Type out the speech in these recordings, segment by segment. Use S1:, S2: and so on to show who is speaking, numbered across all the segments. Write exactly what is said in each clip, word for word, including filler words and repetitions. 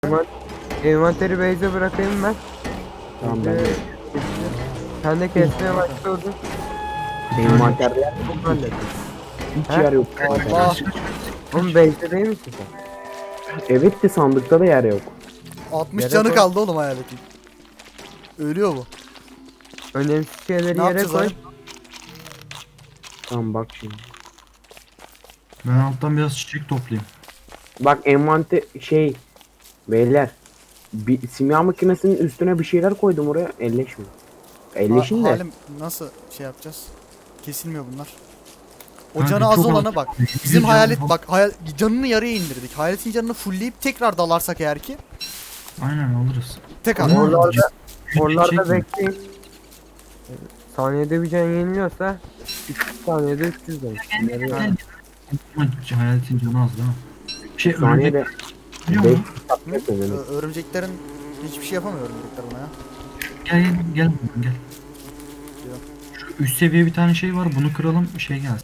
S1: Envan- Envanteri base'e bırakayım ben.
S2: Tamam ben de.
S1: Sen de kesmeye başladın.
S2: Envanterde yer
S1: Çok hallettim.
S2: hiç
S1: Ha?
S2: yer yok.
S3: Allah.
S1: Oğlum base'de değil misin sen?
S2: Evet de sandıkta da yer yok.
S3: altmış
S1: Yere
S3: canı
S1: koy.
S3: kaldı oğlum hayaletin. Ölüyor bu.
S1: Önemsiz şeyleri
S3: Ne
S1: yere
S3: yapacağız
S1: koy.
S3: abi?
S2: Tamam bak şimdi.
S4: Ben alttan biraz çiçek toplayayım.
S2: Bak envante şey beyler. Bir simya makinesinin üstüne bir şeyler koydum oraya elleşmiyor. Elleşin
S3: Ha-
S2: de.
S3: Halim nasıl şey yapacağız? Kesilmiyor bunlar. O
S4: Kanka
S3: canı az
S4: çok
S3: olana
S4: az.
S3: bak.
S4: Bir
S3: Bizim
S4: canı
S3: hayalet
S4: az.
S3: bak hayal, canını yarıya indirdik. Hayaletin canını fullleyip tekrar dalarsak eğer ki
S4: Aynen alırız.
S3: tek
S4: Ama
S3: adam.
S1: Oralarda,
S4: çiçek
S1: oralarda
S4: mi?
S1: bekleyin. Saniyede bir can yeniliyorsa üç yüz saniyede üç yüz demiş. Nereye-
S4: Gel. Ama hayaletin canı az değil mi? Şey
S2: Saniyede
S4: örümcek biliyor
S2: beş
S4: musun?
S2: yapmıyor
S3: Ö- örümceklerin hiçbir şey yapamıyor örümcekler buna ya.
S4: Gel gel gel buradan, gel. Şu üst seviye bir tane şey var, bunu kıralım şey gelsin.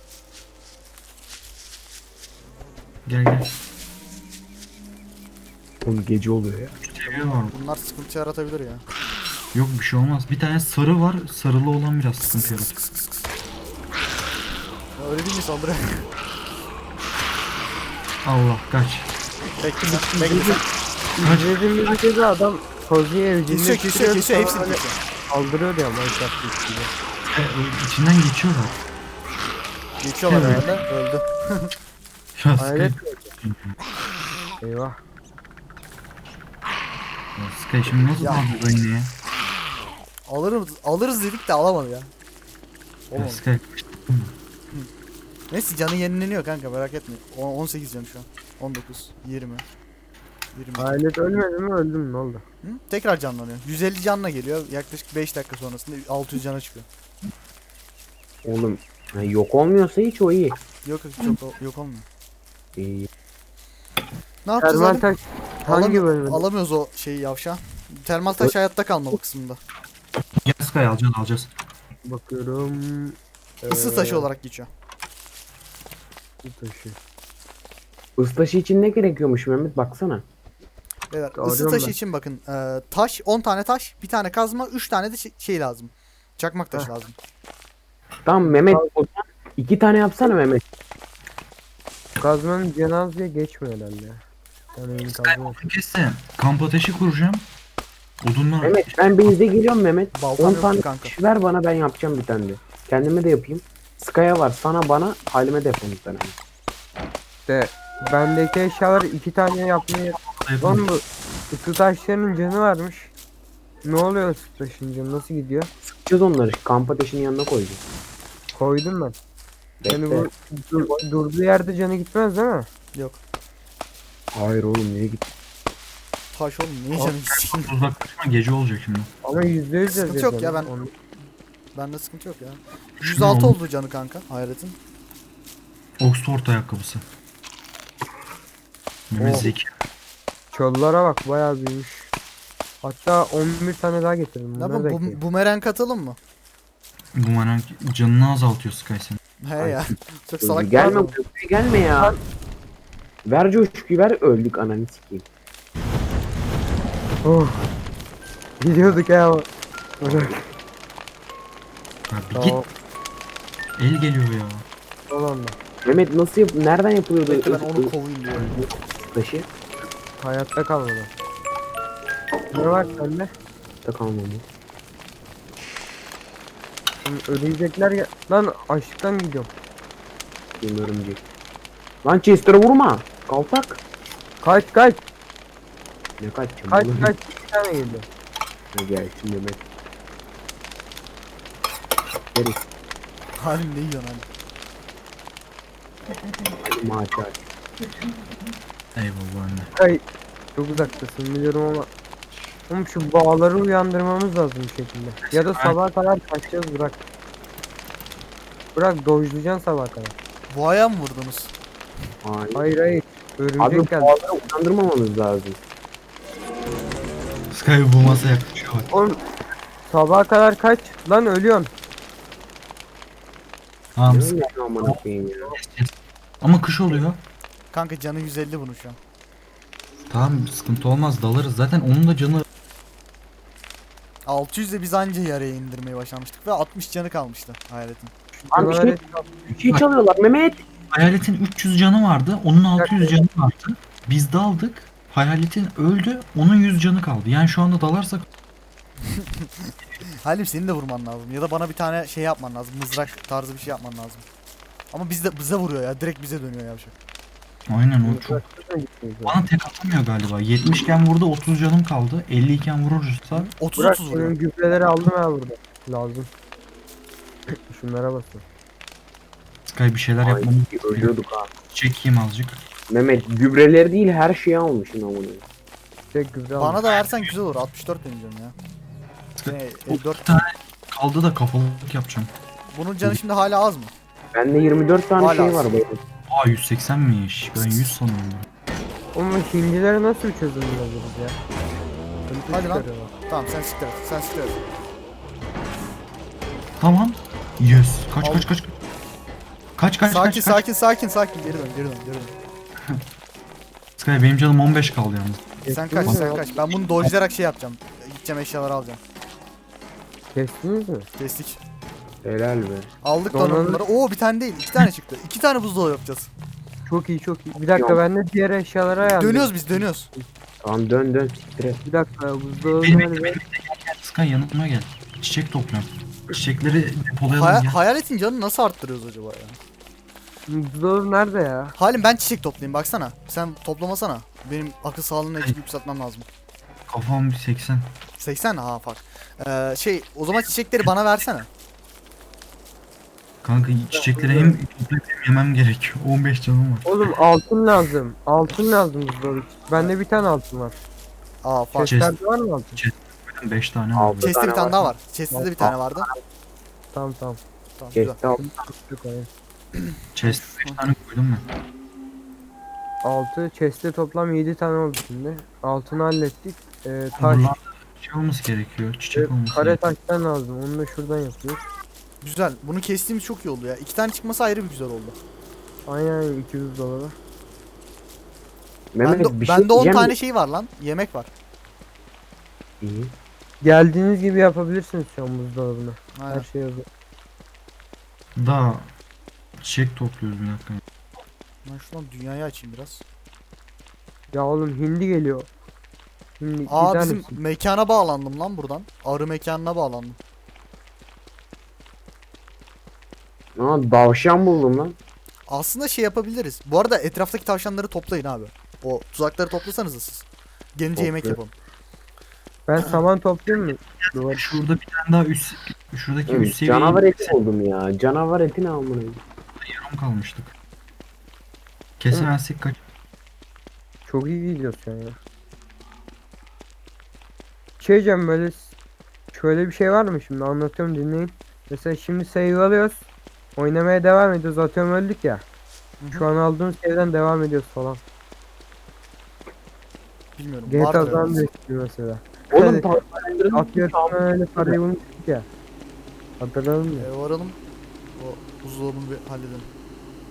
S4: Gel gel.
S2: Oğlum gece oluyor ya.
S4: Üst seviye var.
S3: Bunlar sıkıntı yaratabilir ya.
S4: Yok bir şey olmaz. Bir tane sarı var. Sarılı olan biraz sıkıntı yaratır.
S3: Ya öyle değil mi saldırı?
S4: Allah kaç.
S3: Bekle sen. Bekle sen.
S1: İzlediğimiz bir kez adam Kozi'ye evcilleştiriyor.
S3: Kesiyor kesiyor kesiyor hepsini
S1: sonra
S3: kesiyor.
S1: Saldırıyor ya Minecraft gibi.
S4: E, o içinden geçiyorlar.
S3: Geçiyorlar
S4: Evet.
S3: herhalde öldü.
S4: Ya
S1: Hayret.
S4: Sky.
S1: Eyvah.
S4: Ya Sky şimdi nasıl
S3: Ya.
S4: aldın yine ya?
S3: Alırız, alırız dedik de alamadı ya.
S4: Ya
S3: Oğlum.
S4: Sky.
S3: Neyse canı yenileniyor kanka merak etme. O- on sekiz canı şu an. on dokuz, yirmi. yirmi.
S1: Hayalet ölmedi mi öldü mü ne oldu?
S3: Hı? Tekrar canlanıyor. yüz elli canla geliyor. Yaklaşık beş dakika sonrasında altı yüz cana çıkıyor.
S2: Oğlum ha, yok olmuyorsa hiç o iyi.
S3: Yok yok çok yok olmuyor.
S2: İyi.
S3: Ne yapacağız
S1: Termal
S3: abi?
S1: taş hangi bölümde?
S3: Alamıyoruz o şeyi yavşa. Termal taş hayatta kalmalı kısmında.
S4: Gel Sky alacağız alacağız.
S1: Bakıyorum.
S3: Isı
S1: Ee,
S3: taşı olarak geçiyor.
S1: ısı taşı.
S2: Islaşı için ne gerekiyormuş Mehmet baksana.
S3: Beyler
S1: Arıyorum
S3: ısı taşı
S1: ben.
S3: için bakın. E, taş on tane taş, bir tane kazma, üç tane de şey, şey lazım. Çakmak taşı
S1: Heh.
S3: lazım.
S2: Tamam Mehmet o zaman iki tane yapsana Mehmet.
S1: Kazmanın cenazeye geçmiyor herhalde ya. Yani benim
S4: Sky
S1: kazma.
S4: odun kesse. Kamp ateşi kuracağım. Odunlar.
S2: Mehmet ben base'e geliyorum Mehmet.
S3: Baltam
S2: on
S3: yoktu
S2: tane
S3: kanka.
S2: taş ver bana ben yapacağım bir tane de. Kendime de yapayım. Sky'a var sana bana halime de yapalım bir tane.
S1: İşte bendeki eşyalar iki tane yapmaya... Lan bu ısı taşlarının canı varmış. Ne oluyor ısı taşın canı nasıl gidiyor?
S2: Sıkacağız onları kamp ateşinin yanına koyacağız.
S1: Koydum ben. Yani
S2: Bekle.
S1: bu dur- durduğu yerde canı gitmez değil mi?
S3: Yok.
S2: Hayır oğlum niye git?
S3: Taş oğlum niye canım gitsin?
S4: Uzaklaşma gece olacak şimdi.
S1: Ama yüzde yüz
S3: Sıkıntı
S1: yazıyor
S3: yok ya,
S1: canı.
S3: ben-
S1: Onu-
S3: Bende sıkıntı yok ya.
S4: Şunu
S3: yüz altı
S4: al.
S3: oldu canı kanka hayaletin.
S4: Oxford ayakkabısı. Mehmet
S1: Oh.
S4: Zeki.
S1: Çöllara bak bayağı büyümüş. Hatta on bir tane daha getirdim.
S3: Ne
S1: Bunları
S3: yapalım?
S1: da
S3: Bu, bumerang atalım mı?
S4: Bu marank canını azaltıyor Sky senin.
S3: He ya. Çok salak
S2: Gelme
S3: gelme.
S2: köprüye gelme ya. Ver coşkuyu ver öldük ananı sikeyim.
S1: Oh. Gidiyorduk ya. Bırak.
S4: Ya bir
S1: Tamam.
S4: git. El geliyor ya.
S1: Olan da.
S2: Mehmet nasıl yap nereden yapılıyordu
S3: Bekle ben
S2: ısı-
S3: onu kovayım diyorum.
S2: taşı?
S1: Hayatta kalmadı. Ne var sende?
S2: Da kalmadı.
S1: Şimdi ölecekler ya. Lan açlıktan gidiyorum.
S2: Benim örümcek. Lan Chester'a vurma. Kaltak.
S1: Kaç kaç
S2: Ne kaçacağım?
S1: kaç
S2: oğlum?
S1: kaç. Bir tane geliyor.
S2: Ha, gelsin Mehmet. Herif.
S3: Halim ne yiyorsun hani?
S2: Hadi maçı aç.
S4: Eyvallah anne.
S1: Kay. Çok uzaktasın biliyorum ama. Oğlum şu bağları uyandırmamız lazım bir şekilde. Ya da sabaha kadar kaçacağız bırak. Bırak dojlayacaksın sabaha kadar.
S3: Boğaya mı vurdunuz?
S2: Hayır.
S1: Hayır hayır. Örümcek
S2: Abi
S1: geldi.
S2: boğaları uyandırmamamız lazım.
S4: Sky bu masa yaklaşıyor bak.
S1: Oğlum sabaha kadar kaç. Lan ölüyorsun.
S4: Tamam
S2: Ne
S4: Sky.
S2: oluyor amına koyayım ya.
S4: Ama kış oluyor.
S3: Kanka canı yüz elli bunun şu an.
S4: Tamam sıkıntı olmaz dalarız. Zaten onun da canı
S3: altı yüzle biz anca yarıya indirmeyi başlamıştık ve altmış canı kalmıştı hayaletin.
S2: Abi bir şey,
S1: Canavar
S2: bir şey çalıyorlar Mehmet.
S4: hayaletin üç yüz canı vardı. Onun altı yüz canı vardı. Biz daldık. Hayaletin öldü. Onun yüz canı kaldı. Yani şu anda dalarsak
S3: Halim seni de vurman lazım ya da bana bir tane şey yapman lazım. Mızrak tarzı bir şey yapman lazım. Ama bizde bize vuruyor ya. Direkt bize dönüyor yavşak.
S4: aynen o çok. Bana tek atamıyor galiba. yetmiş iken vurdu, otuz canım kaldı. elli iken vurursa
S3: otuz
S1: Burak
S3: otuz vuruyor.
S1: senin gübreleri aldım ya burada. Lazım. Şunlara basın.
S4: Sky bir şeyler
S2: Ay,
S4: yapmamız
S2: ölüyorduk ha.
S4: çekeyim azıcık.
S2: Mehmet gübreleri değil her şeyi almışsın amına.
S1: Tek gübre aldım.
S3: Bana da versen güzel olur. altmış dört deneyeceğim ya. Ne, elli dört.
S4: Bir tane kaldı da kafalık yapacağım.
S3: Bunun canı şimdi hala az mı?
S2: Bende yirmi dört tane
S3: Hala
S2: şey
S3: az.
S2: var böyle.
S4: Aa yüz seksenmiş. Ben yüz sanıyorum.
S1: Oğlum şimdileri nasıl bir çözüm bulabiliriz ya? Sıkıntı
S3: Hadi lan.
S1: çıkarıyorlar.
S3: Tamam sen siktir et. Sen siktir et.
S4: Tamam. Yes. Kaç
S3: Al.
S4: kaç kaç. Kaç kaç
S3: Sakin
S4: kaç kaç.
S3: sakin sakin sakin. Geri dön geri dön geri dön.
S4: Sky benim canım on beş kaldı yalnız.
S3: Sen
S1: Kestiniz
S3: kaç
S1: mi
S3: sen
S1: ya?
S3: kaç. Ben bunu dojlayarak şey yapacağım. Gideceğim eşyaları alacağım.
S1: Kestiniz mi?
S3: Kestik.
S2: Helal be.
S3: Aldık
S1: Donanım-
S3: donanımları. Oo bir tane değil. iki tane çıktı. İki tane buzdolabı yapacağız.
S1: Çok iyi çok iyi. Bir dakika
S2: Yok.
S1: ben de diğer eşyalara ayarlayayım.
S3: Dönüyoruz biz dönüyoruz.
S2: Tamam dön dön siktir et.
S1: Bir dakika buzdolabı
S4: Benim
S1: nerede?
S4: bekle benim bekle gel gel. Sky yanıma gel. Çiçek topluyorum. Çiçekleri depolayalım
S3: Haya-
S4: gel.
S3: hayaletin canını nasıl arttırıyoruz acaba ya?
S1: Buzdolabı nerede ya?
S3: Halim ben çiçek toplayayım baksana. Sen toplamasana. Benim akıl sağlığını eksik yükseltmem lazım.
S4: Kafam bir seksen.
S3: seksen ha fark. Ee, şey o zaman çiçekleri bana versene.
S4: Kanka çiçekleri hem toplayıp hem yemem gerekiyor. on beş canım var.
S1: Oğlum altın lazım. Altın lazım buzdolabı. Bende bir tane altın var.
S3: Aa fark.
S4: Chest.
S1: Chest'lerde var mı altın?
S4: beş tane var.
S2: Aldı.
S3: Chest'te bir
S2: tane
S3: tane
S2: var.
S3: daha var. Chest'te de bir tane vardı.
S1: Tamam tamam.
S3: Tamam güzel.
S2: Kesti al.
S1: Yok, hayır.
S4: Chest beş tane koydum ben.
S1: altı chest'te toplam yedi tane oldu şimdi. Altını hallettik. Ee, taş.
S4: Buralarda şey olması gerekiyor. Çiçek
S1: e,
S4: olması
S1: kare
S4: gerekiyor.
S1: taştan lazım. Onu da şuradan yapıyoruz.
S3: Güzel. Bunu kestiğimiz çok iyi oldu ya. İki tane çıkması ayrı bir güzel oldu.
S1: Aynen iki yüz dolara.
S2: Mehmet
S3: Bende,
S2: bir şey
S3: bende on
S2: diyeceğim
S3: tane
S2: de-
S3: şey var lan. Yemek var.
S2: İyi.
S1: Geldiğiniz gibi yapabilirsiniz şu an buzdolabını.
S3: Aynen.
S1: Her şey hazır.
S4: Daha çiçek topluyoruz bir dakika.
S3: Ben şuradan dünyayı açayım biraz.
S1: Ya oğlum hindi geliyor. Hindi
S3: Aa
S1: gider
S3: bizim
S1: misin?
S3: mekana bağlandım lan buradan. Arı mekanına bağlandım.
S2: Aa davşan buldum lan.
S3: Aslında şey yapabiliriz. Bu arada etraftaki tavşanları toplayın abi. O tuzakları toplasanız siz. Gelince yemek
S2: Topluyorum.
S3: yapalım.
S1: Ben saman toplayayım mı? Duvar.
S4: Şurada bir tane daha üst şuradaki
S2: Oğlum,
S4: üst seviye
S2: canavar eti buldum ya. Canavar eti ne amına?
S4: yarım kalmıştık. Kesemezsek kaç?
S1: Çok iyi gidiyorsun sen ya. Şey diyeceğim böyle s- şöyle bir şey var mı şimdi anlatıyorum dinleyin. Mesela şimdi save alıyoruz. Oynamaya devam ediyoruz. Atıyorum öldük ya.
S3: Hı hı.
S1: Şu an aldığımız save'den devam ediyoruz falan.
S3: Bilmiyorum.
S1: G T
S3: vardır
S1: A'dan
S3: herhalde.
S1: da istiyor mesela.
S2: Oğlum
S1: Hadi.
S2: tavşanların
S1: Atıyorsun öyle parayı bulmuştuk ya. Hatırladın mı?
S3: Ee, varalım. O buzdolabını bir halledelim.